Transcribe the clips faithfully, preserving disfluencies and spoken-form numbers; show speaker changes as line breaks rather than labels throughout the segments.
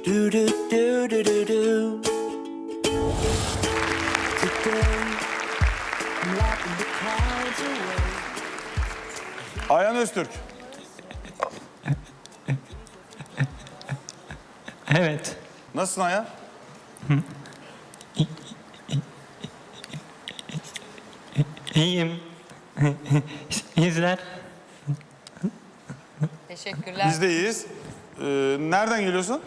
Do do do do do do. Today, I'm laughing the clouds away.
Ayhan Öztürk.
Evet.
Nasılsın Ayhan?
İyiyim. İzler.
Teşekkürler.
Biz de iyiyiz. Ee, nereden geliyorsun?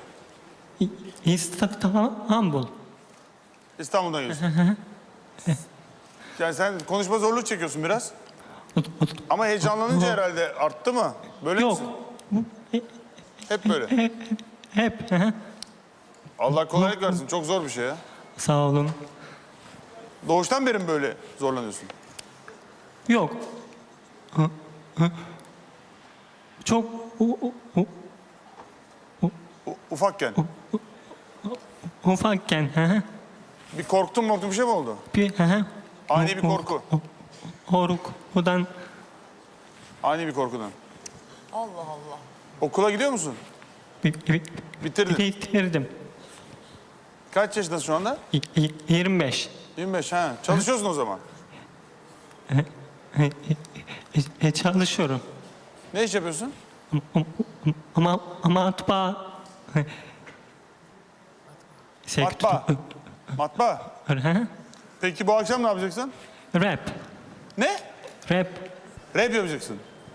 İstanbul.
İstanbul'dan geliyorsun. Yani sen konuşma zorluğu çekiyorsun biraz. Ama heyecanlanınca herhalde arttı mı? Böyle
Yok.
misin? Hep böyle.
Hep. hı hı.
Allah kolaylık versin. Çok zor bir şey ya.
Sağ olun.
Doğuştan beri mi böyle zorlanıyorsun?
Yok. Hı, hı. Çok u- u- u-
U- ufakken.
ufakken. hı hı.
Bir korktun mu bir şey mi oldu?
Bir hı hı.
Ani bir korku.
Korkudan
Ani bir korkudan.
Allah Allah.
Okula gidiyor musun?
bi- bi-
Bitirdin.
bitirdim.
Kaç yaşındasın şu anda?
Y- y- yirmi beş.
yirmi beş ha. Çalışıyorsun o zaman.
E, çalışıyorum.
Ne iş yapıyorsun?
Ama ama matbaa
Matbaa. Matbaa.
Hı hı.
Peki bu akşam ne yapacaksın?
Rap.
Ne?
Rap.
Rap yapacaksın.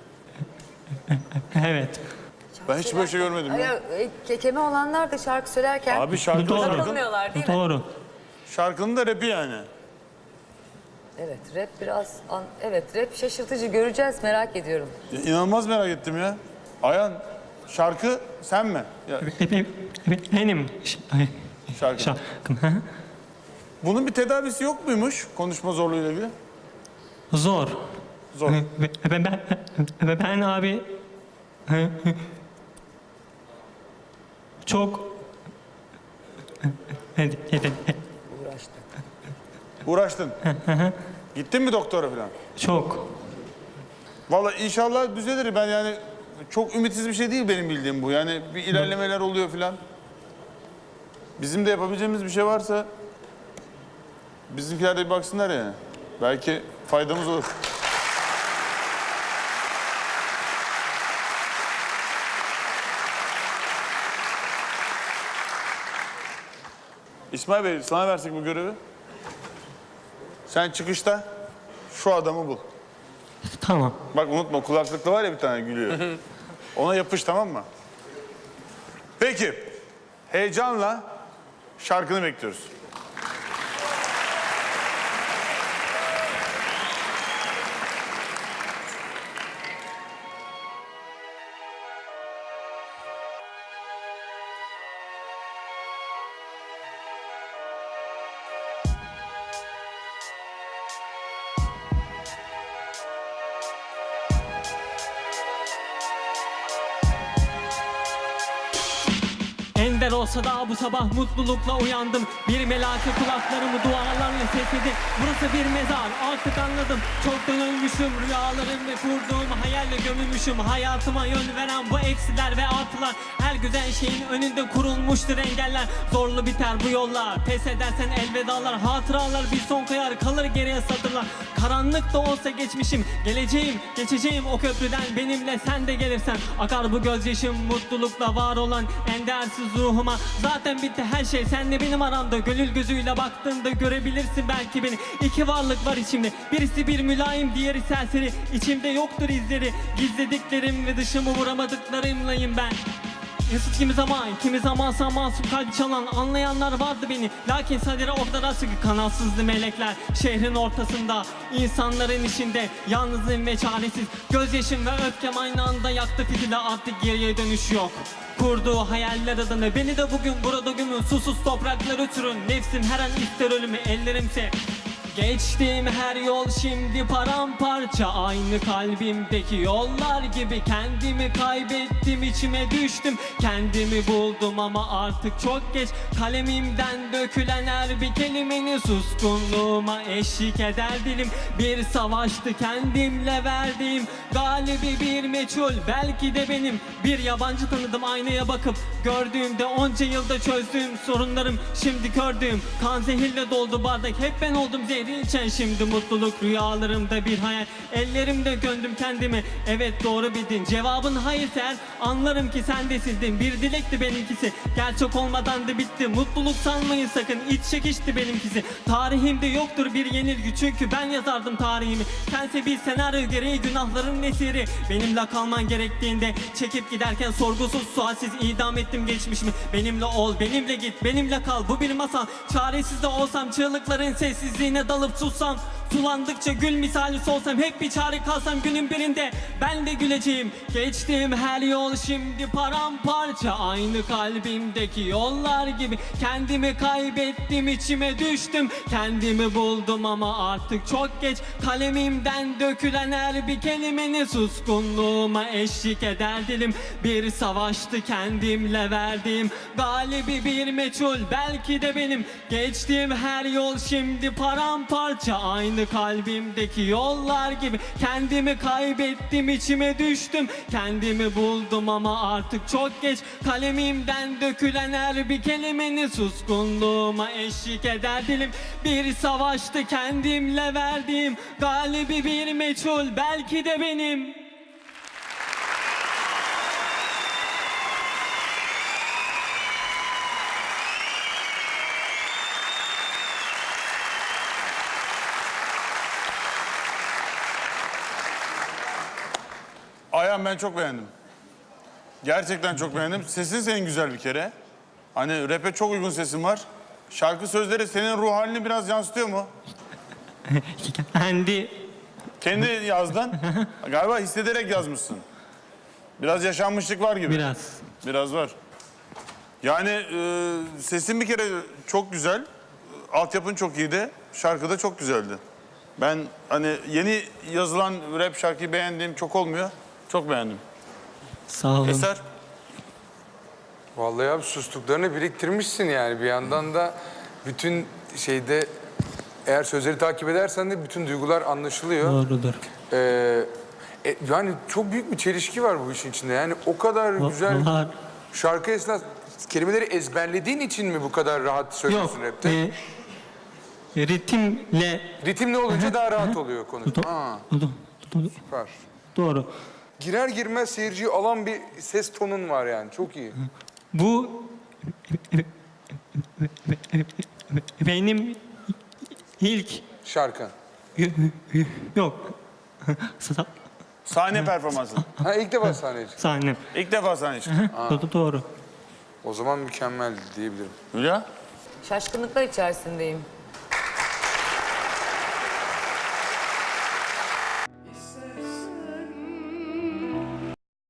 Evet.
Ben hiç böyle şey görmedim ya.
Ay, e, kekeme olanlar da şarkı söylerken
Abi şarkı
Doğru.
şarkının,
takılmıyorlar değil mi?
Doğru.
şarkının da rapi yani.
Evet, rap biraz an- evet, rap şaşırtıcı, göreceğiz, merak ediyorum.
Ya, İnanılmaz merak ettim ya. Ayhan şarkı sen mi? Ya,
Benim ş-
şarkı.
şarkım. hı hı.
Bunun bir tedavisi yok muymuş konuşma zorluğuyla ilgili?
Zor.
Zor.
Ben, ben, ben, ben abi çok
Uğraştım.
Uğraştın. Gittin mi doktora falan?
çok
Vallahi inşallah düzelir. Ben yani çok ümitsiz bir şey değil benim bildiğim bu. Yani bir ilerlemeler oluyor falan. Bizim de yapabileceğimiz bir şey varsa bizimkiler de bir baksınlar yani. Belki faydamız olur. İsmail Bey sana versek bu görevi. Sen çıkışta şu adamı bul.
tamam.
Bak unutma kulaklıkta var ya bir tane gülüyor. Ona yapış tamam mı? Peki. Heyecanla şarkını bekliyoruz.
Ender olsa da bu sabah mutlulukla uyandım. Bir melake kulaklarımı dualarla sesledi. Burası bir mezar artık anladım. Çoktan ölmüşüm rüyalarım ve kurduğum hayalle gömülmüşüm. Hayatıma yön veren bu eksiler ve artılar. Her güzel şeyin önünde kurulmuştur engeller. Zorlu biter bu yollar. Pes edersen elvedalar. Hatıralar bir son koyar kalır geriye satırlar. Karanlık da olsa geçmişim. Geleceğim geçeceğim o köprüden benimle sen de gelirsen. Akar bu gözyaşım mutlulukla var olan endersiz ruhuma. Zaten bitti her şey senle benim aramda. Gönül gözüyle baktığında görebilirsin belki beni. İki varlık var içimde. Birisi bir mülayim, diğeri serseri. İçimde yoktur izleri. Gizlediklerim ve dışımı vuramadıklarımlayım ben. Mesut kimi zaman, kimi zamansa masum kalbi çalan anlayanlar vardı beni. Lakin sadece ortada sıkı kanatsızdı melekler. Şehrin ortasında, insanların içinde yalnızım ve çaresiz. Gözyaşım ve öfkem aynı anda yaktı fitili, artık geriye dönüş yok. Kurduğu hayaller adına beni de bugün burada gömün. Susuz topraklar ötürün. Nefsim her an ister ölümü, ellerimse Geçtiğim her yol şimdi paramparça. Aynı kalbimdeki yollar gibi kendimi kaybettim, içime düştüm. Kendimi buldum ama artık çok geç. Kalemimden dökülen her bir kelimenin suskunluğuma eşlik eder dilim. Bir savaştı kendimle verdiğim, galibi bir meçhul belki de benim. Bir yabancı tanıdım aynaya bakıp, gördüğümde onca yılda çözdüğüm sorunlarım şimdi gördüğüm. Kan zehirle doldu bardak, hep ben oldum zehri içen. Şimdi mutluluk rüyalarımda bir hayal, ellerimde gömdüm kendimi. Evet doğru bildin, cevabın hayırsa eğer anlarım ki sen de sildin. Bir dilekti benimkisi, gerçek olmadan da bitti. Mutluluk sanmayın sakın, iç çekişti benimkisi. Tarihimde yoktur bir yenilgi, çünkü ben yazardım tarihimi. Sense bir senaryo gereği günahların esiri. Benimle kalman gerektiğinde çekip giderken sorgusuz sualsiz idam ettim geçmişimi. Benimle ol, benimle git, benimle kal, bu bir masal. Çaresiz de olsam, çığlıkların sessizliğine dalıp sussam, sulandıkça gül misali solsam, hep bir çare kalsam, günün birinde ben de güleceğim. Geçtiğim her yol şimdi paramparça. Aynı kalbimdeki yollar gibi kendimi kaybettim, içime düştüm. Kendimi buldum ama artık çok geç. Kalemimden dökülen her bir kelimenin suskunluğuma eşlik eder dilim. Bir savaştı kendimle verdiğim, galibi bir meçhul belki de benim. Geçtiğim her yol şimdi paramparça. Aynı kalbimdeki yollar gibi kendimi kaybettim, içime düştüm. Kendimi buldum ama artık çok geç. Kalemimden dökülen her bir kelimenin suskunluğuma eşlik eder dilim. Bir savaştı kendimle verdiğim, galibi bir meçhul belki de benim.
Ayhan, ben çok beğendim. Gerçekten çok beğendim. Sesin senin güzel bir kere. Hani rap'e çok uygun sesin var. Şarkı sözleri senin ruh halini biraz yansıtıyor mu?
Kendi
Kendi yazdın. Galiba hissederek yazmışsın. Biraz yaşanmışlık var gibi.
biraz.
Biraz var. Yani e, sesin bir kere çok güzel. Altyapın çok iyiydi. Şarkı da çok güzeldi. Ben hani yeni yazılan rap şarkıyı beğendiğim çok olmuyor. Çok beğendim.
Sağ olun.
Eser?
Vallahi abi sustuklarını biriktirmişsin yani. Bir yandan da bütün şeyde eğer sözleri takip edersen de bütün duygular anlaşılıyor.
Doğrudur.
Ee, e, yani çok büyük bir çelişki var bu işin içinde. Yani o kadar güzel
Var.
şarkı esnasında kelimeleri ezberlediğin için mi bu kadar rahat
Yok.
söylüyorsun rapte?
E, ritimle
Ritimli olunca daha rahat oluyor konu. Ha,
Do- do-
süper.
doğru.
Girer girmez seyirciyi alan bir ses tonun var yani. Çok iyi.
Bu benim ilk
Şarkın.
yok Sa-
Sahne performansı.
Ha ilk defa sahneye çıktın.
sahnem.
İlk defa sahne çıktı.
Do- Doğru.
O zaman mükemmel diyebilirim.
Hülya?
Şaşkınlıklar içerisindeyim.